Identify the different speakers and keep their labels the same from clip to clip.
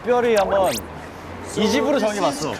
Speaker 1: 특별히 한번 이 집으로 정해봤어.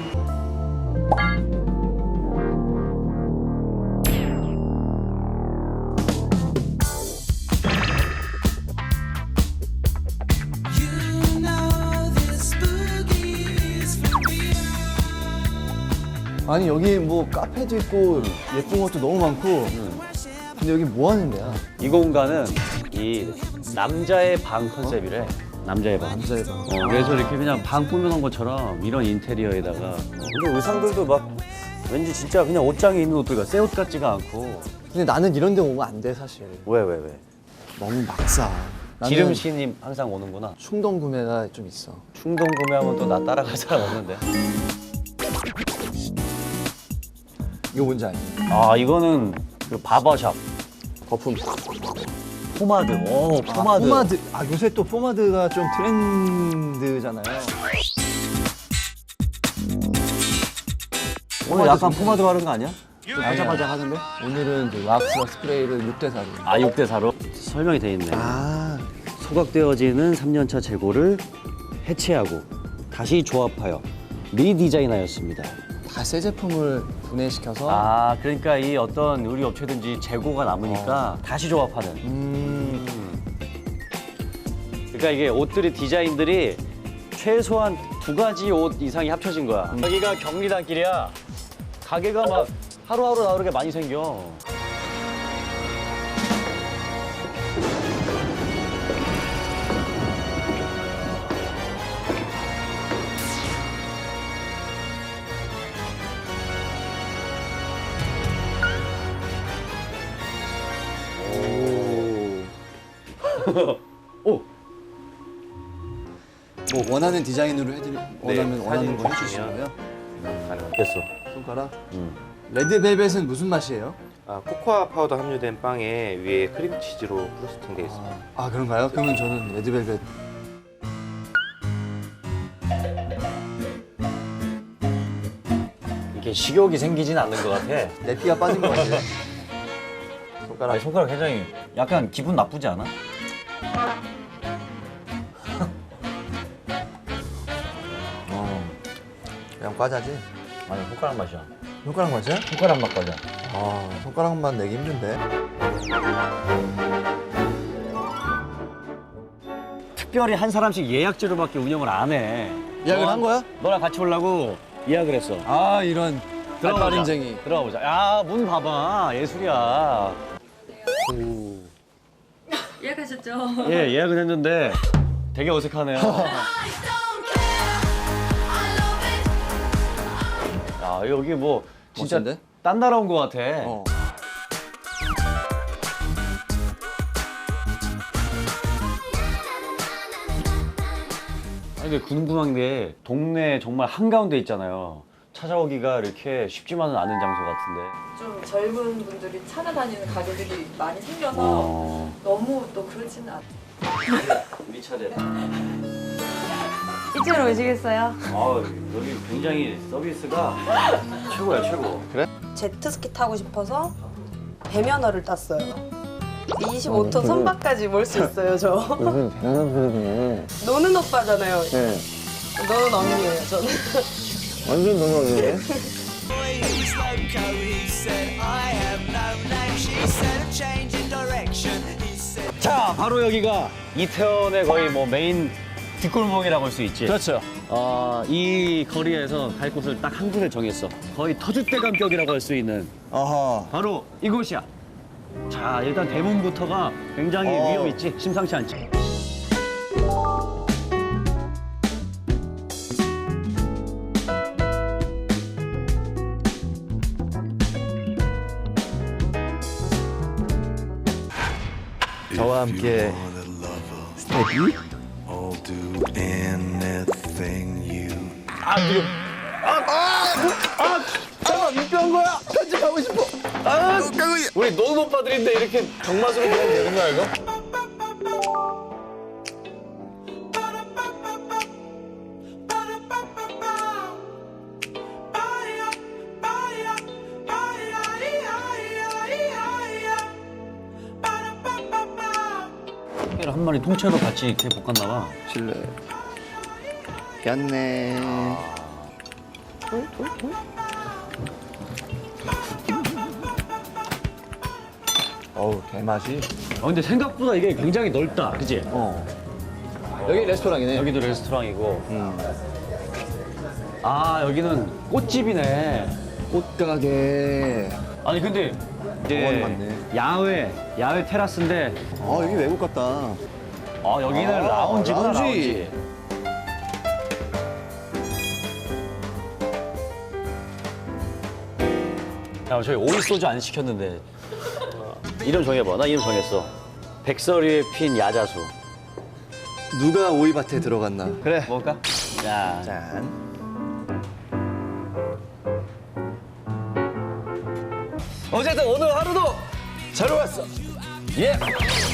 Speaker 2: 아니 여기 뭐 카페도 있고 예쁜 것도 너무 많고 근데 여기 뭐 하는 데야?
Speaker 1: 이 공간은 이 남자의 방 컨셉이래. 남자의 방.
Speaker 2: 남자의 방.
Speaker 1: 그래서 이렇게 그냥 방 꾸며놓은 것처럼 이런 인테리어에다가 근데 의상들도 막 왠지 진짜 그냥 옷장에 있는 옷들 같아. 새 옷 같지가 않고.
Speaker 2: 근데 나는 이런 데 오면 안 돼 사실.
Speaker 1: 왜?
Speaker 2: 너무 막사. 나는
Speaker 1: 기름씨님 항상 오는구나.
Speaker 2: 충동 구매가 좀 있어.
Speaker 1: 충동 구매하면 또 나 따라갈 사람 없는데.
Speaker 2: 이거 뭔지 알지?
Speaker 1: 아 이거는 그 바버샵.
Speaker 2: 거품.
Speaker 1: 포마드. 오 포마드.
Speaker 2: 포마드. 아 요새 또 포마드가 좀 트렌드잖아요.
Speaker 1: 오늘 약간 포마드 바른 거 아니야?
Speaker 2: 반짝반짝 하는데? 오늘은 이제 왁스와 스프레이를 6대 4로.
Speaker 1: 아 6대 4로? 설명이 돼 있네.
Speaker 2: 아.
Speaker 1: 소각되어지는 3년차 재고를 해체하고 다시 조합하여 리디자인하였습니다.
Speaker 2: 다 새 제품을 분해시켜서.
Speaker 1: 아 그러니까 이 어떤 우리 업체든지 재고가 남으니까 다시 조합하는. 그러니까 이게 옷들이 디자인들이 최소한 2가지 옷 이상이 합쳐진 거야. 여기가 경리단길이야. 가게가 막 하루하루 다르게 많이 생겨. 오.
Speaker 2: 뭐 원하는 디자인으로 원하는
Speaker 1: 사진
Speaker 2: 거
Speaker 1: 찍으면.
Speaker 2: 해주시고요.
Speaker 1: 됐어.
Speaker 2: 손가락. 레드벨벳은 무슨 맛이에요?
Speaker 3: 아, 코코아 파우더 함유된 빵에 위에 크림치즈로 프로스팅 돼 있습니다.
Speaker 2: 아 그런가요? 그러면 저는 레드벨벳.
Speaker 1: 이렇게 식욕이 생기진 않는 것 같아.
Speaker 2: 내 피가 빠진 것 같아요.
Speaker 1: 아니, 손가락 굉장히 약간 기분 나쁘지 않아?
Speaker 2: 그냥 과자지?
Speaker 1: 아니 손가락 맛이야.
Speaker 2: 손가락 맛이야?
Speaker 1: 손가락 맛 과자.
Speaker 2: 아 손가락 맛 내기 힘든데.
Speaker 1: 특별히 한 사람씩 예약제로밖에 운영을 안 해.
Speaker 2: 예약을 한 거야?
Speaker 1: 너랑 같이 오려고 예약을 했어.
Speaker 2: 아 이런 달달인쟁이.
Speaker 1: 들어가 보자. 야, 문 봐봐. 예술이야.
Speaker 4: 예약하셨죠?
Speaker 1: 예, 예약은 했는데 되게 어색하네요. 야, 여기 뭐 진짜
Speaker 2: 멋진데?
Speaker 1: 딴 나라 온 것 같아.
Speaker 2: 어.
Speaker 1: 아니, 근데 궁금한 게 동네 정말 한가운데 있잖아요. 찾아오기가 이렇게 쉽지만은 않은 장소 같은데.
Speaker 4: 좀 젊은 분들이 찾아다니는 가게들이 많이 생겨서
Speaker 1: 어.
Speaker 4: 너무 또 그렇지는 않아요.
Speaker 1: 우리 차례.
Speaker 4: 이쪽으로 오시겠어요?
Speaker 1: 아, 여기 굉장히 서비스가 최고야, 최고.
Speaker 5: 제트스키 타고 싶어서 배면허를 땄어요. 25톤 선박까지 몰 수 있어요, 저.
Speaker 2: 요즘 대단한 소리네.
Speaker 5: 노는 오빠잖아요.
Speaker 2: 네.
Speaker 5: 너는 언니예요, 저는.
Speaker 2: 완전 너무하네.
Speaker 1: 자, 바로 여기가 이태원의 거의 뭐 메인 뒷골목이라고 할 수 있지.
Speaker 2: 그렇죠.
Speaker 1: 이 거리에서 갈 곳을 딱 한 군데 정했어. 거의 터줏대감격이라고 할 수 있는
Speaker 2: 아하.
Speaker 1: 바로 이곳이야. 자, 일단 대문부터가 굉장히 위험 있지. 심상치 않지.
Speaker 2: 저와 함께 스테디.
Speaker 6: I'll do anything you
Speaker 2: 잠깐 민폐한 거야. 편집하고 싶어.
Speaker 1: 우리 노는 오빠들인데 이렇게 경마스로 보면 되는 거야, 이거? 한 마리 통째로 같이 이렇게 볶았나 봐.
Speaker 2: 실례. 잡혔네. 어우, 개맛이.
Speaker 1: 근데 생각보다 이게 굉장히 넓다, 그지?
Speaker 2: 여기 레스토랑이네.
Speaker 1: 여기도 레스토랑이고. 아, 여기는 꽃집이네.
Speaker 2: 꽃가게.
Speaker 1: 아니, 근데
Speaker 2: 공원이
Speaker 1: 이제
Speaker 2: 많네.
Speaker 1: 야외 테라스인데,
Speaker 2: 아, 여기 외국 같다.
Speaker 1: 아, 여기는
Speaker 2: 아,
Speaker 1: 라운지구나,
Speaker 2: 라운지.
Speaker 1: 라운지. 야, 저희 오이 소주 안 시켰는데. 이름 정해봐. 나 이름 정했어. 백설이에 핀 야자수.
Speaker 2: 누가 오이밭에 들어갔나? 그래.
Speaker 1: 먹을까? 자,
Speaker 2: 짠.
Speaker 1: 어쨌든 오늘 하루도 잘 왔어. 예.